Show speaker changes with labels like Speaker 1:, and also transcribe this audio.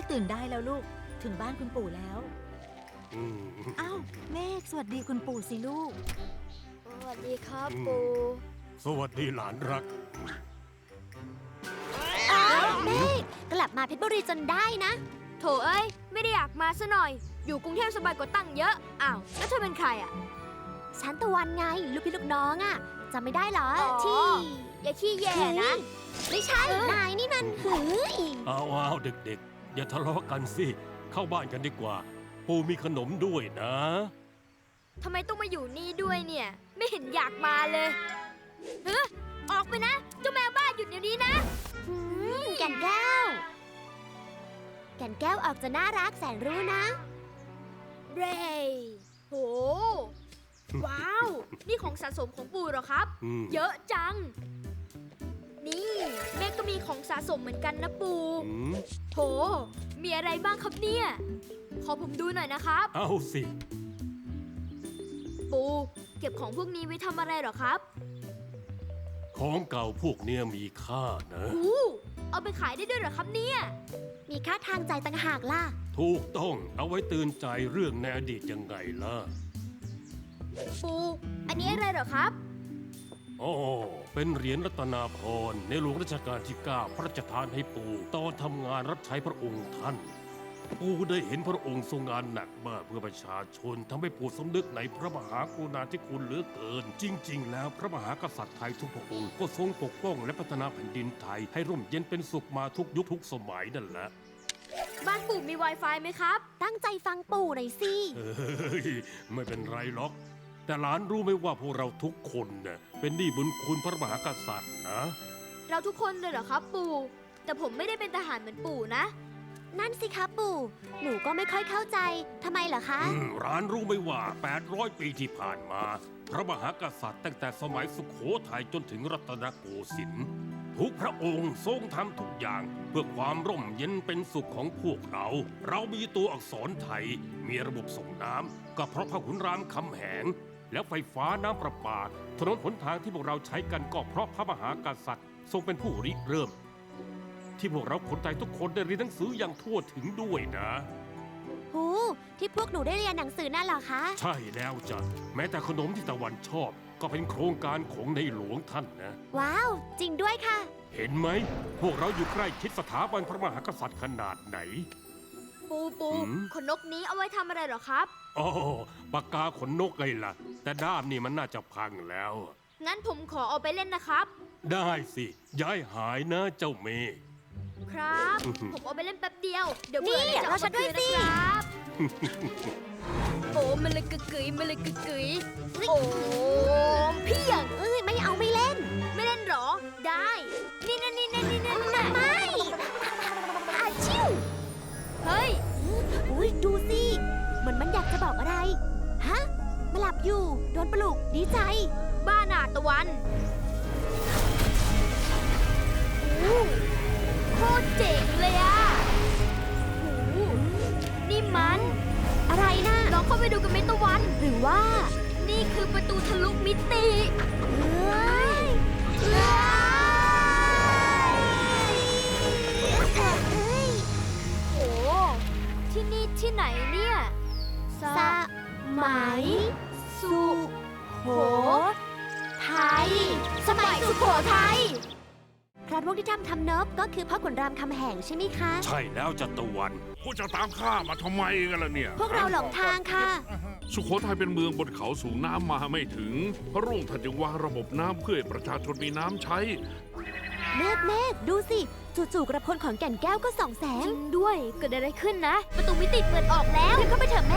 Speaker 1: ตื่นได้แล้วลูกถึงบ้านคุณปู่แล้วอ้าวเมฆสวัสดีคุณปู่สิลูก
Speaker 2: สวัสดีครับปู่
Speaker 3: สวัสดีหลานรัก
Speaker 2: อ้าวเมฆกลับมาเพชรบุรีจนได้นะโถเอ้ยไม่ได้อยากมาซะหน่อยอยู่กรุงเทพสบายกว่าตั้งเยอะอ้าวแล้วเธอเป็นใครอ่ะฉันตะวันไงลูกพี่ลูกน้องอ่ะจำไม่ได้เหรอที่อย่าขี้แย่นะไม่ใช่นายนี่มันหือ
Speaker 3: อ้าวเด็กๆอย่าทะเลาะกันสิเข้าบ้านกันดีกว่าปู่มีขนมด้วยนะ
Speaker 2: ทำไมต้องมาอยู่นี่ด้วยเนี่ยไม่เห็นอยากมาเลยออกไปนะเจ้าแมวบ้าหยุดเดี๋ยวนี้นะแก่นแก้วแก่นแก้วออกจะน่ารักแสนรู้นะเรย์โหว้าวนี่ของสะสมของปู่เหรอครับเยอะจังนี่แม่ก็มีของสะสมเหมือนกันนะปู่โหมีอะไรบ้างครับเนี่ยขอผมดูหน่อยนะครับ
Speaker 3: เอาสิ
Speaker 2: ปู่เก็บของพวกนี้ไว้ทำอะไรเหรอครับ
Speaker 3: ของเก่าพวกเนี้ยมีค่านะ
Speaker 2: เอาไปขายได้ด้วยเหรอครับเนี่ยมีค่าทางใจต่างหากล่ะ
Speaker 3: ถูกต้องเอาไว้เตือนใจเรื่องในอดีตยังไงล่ะ
Speaker 2: ปู่อันนี้อะไรเหรอครับ
Speaker 3: อ๋อเป็นเหรียญรัตนาพรในหลวงรัชกาลที่ 9พระราชทานให้ปู่ตอนทำงานรับใช้พระองค์ท่านปู่ได้เห็นพระองค์ทรงงานหนักมากเพื่อประชาชนทำให้ปู่สำนึกในพระมหากรุณาธิคุณเหลือเกินจริงๆแล้วพระมหากษัตริย์ไทยทุกพระองค์ก็ทรงปกป้องและพัฒนาแผ่นดินไทยให้ร่มเย็นเป็นสุขมาทุกยุคทุกสมัยนั่นแหละ
Speaker 2: บ้านปู่มี Wi-Fi ไหมครับตั้งใจฟังปู่หน่อยสิ
Speaker 3: ไม่เป็นไรหรอกแต่หลานรู้ไหมว่าพวกเราทุกคนเนี่ยเป็นหนี้บุญคุณพระมหากษัตริย์นะ
Speaker 2: เราทุกคนเลยเหรอครับปู่แต่ผมไม่ได้เป็นทหารเหมือนปู่นะนั่นสิครับปู่หนูก็ไม่ค่อยเข้าใจทำไมเหรอคะ
Speaker 3: หลานรู้ไหมว่า800 ปีที่ผ่านมาพระมหากษัตริย์ตั้งแต่สมัยสุโขทัยจนถึงรัตนโกสินทร์ทุกพระองค์ทรงทำทุกอย่างเพื่อความร่มเย็นเป็นสุขของพวกเรามีตัวอักษรไทยมีระบบส่งน้ำก็เพราะพระขุนรามคำแหงแล้วไฟฟ้าน้ำประปาถนนหนทางที่พวกเราใช้กันก็เพราะพระมหากษัตริย์ทรงเป็นผู้ริเริ่มที่พวกเราคนไทยทุกคนได้เรียนหนังสืออย่างทั่วถึงด้วยนะ
Speaker 2: ที่พวกหนูได้เรียนหนังสือนั่นเหรอคะ
Speaker 3: ใช่แล้วจ้ะแม้แต่ขนมที่ตะวันชอบก็เป็นโครงการของในหลวงท่านนะ
Speaker 2: ว้าวจริงด้วยค่ะ
Speaker 3: เห็นไหมพวกเราอยู่ใกล้ชิดสถาบันพระมหากษัตริย์ขนาดไหน
Speaker 2: ปูขนนกนี้เอาไว้ทำอะไรเหรอครับ
Speaker 3: อ๋อปากกาขนนกไงล่ะแต่ด้ามนี่มันน่าจะพังแล้ว
Speaker 2: งั้นผมขอเอาไปเล่นนะครับ
Speaker 3: ได้สิย้ายหายนะเจ้าเมย์
Speaker 2: ครับผมเอาไปเล่นแป๊บเดียวเดี๋ยวเบื่อเลยจะเอามาคืนนะครับ โอ้มันเลยกึกกึ๋ยมันเลยกึกกึ๋ยโอ้พี่อย่างไม่เอาไม่เล่นหรอได้นี่ไม่อาชิวเฮ้ยอุ้ยดูสิมันอยากจะบอกอะไรฮะมาหลับอยู่โดนปลุกดีใจบ้าหนาตะวันโคตรเจ๋งเลยอะนี่มันอะไรนะลองเข้าไปดูกันไหมตะวันหรือว่านี่คือประตูทะลุมิติโอ้ที่นี่ที่ไหนเนี่ยสมัยสุโขทัยสมัยสุโขทัยพระร่วงที่ทำเนิบก็คือพ่อขุนรามคำแหงใช่ไหมคะ
Speaker 3: ใช่แล้วจัตวัน
Speaker 4: พวกจะตามข้ามาทำไมกันล่ะเนี่ย
Speaker 2: พวกเราหลงทางค่ะ
Speaker 4: สุโขทัยเป็นเมืองบนเขาสูงน้ำมาไม่ถึงพระร่วงท่านจึงวางระบบน้ำเพื่อให้ประชาชนมีน้ำใช้
Speaker 2: เมฆดูสิจู่ๆกระพลของแก่นแก้วก็ส่องแสงจริงด้วยเกิดอะไรขึ้นนะประตูมิติเปิดออกแล้วเข้าไปเถอะเม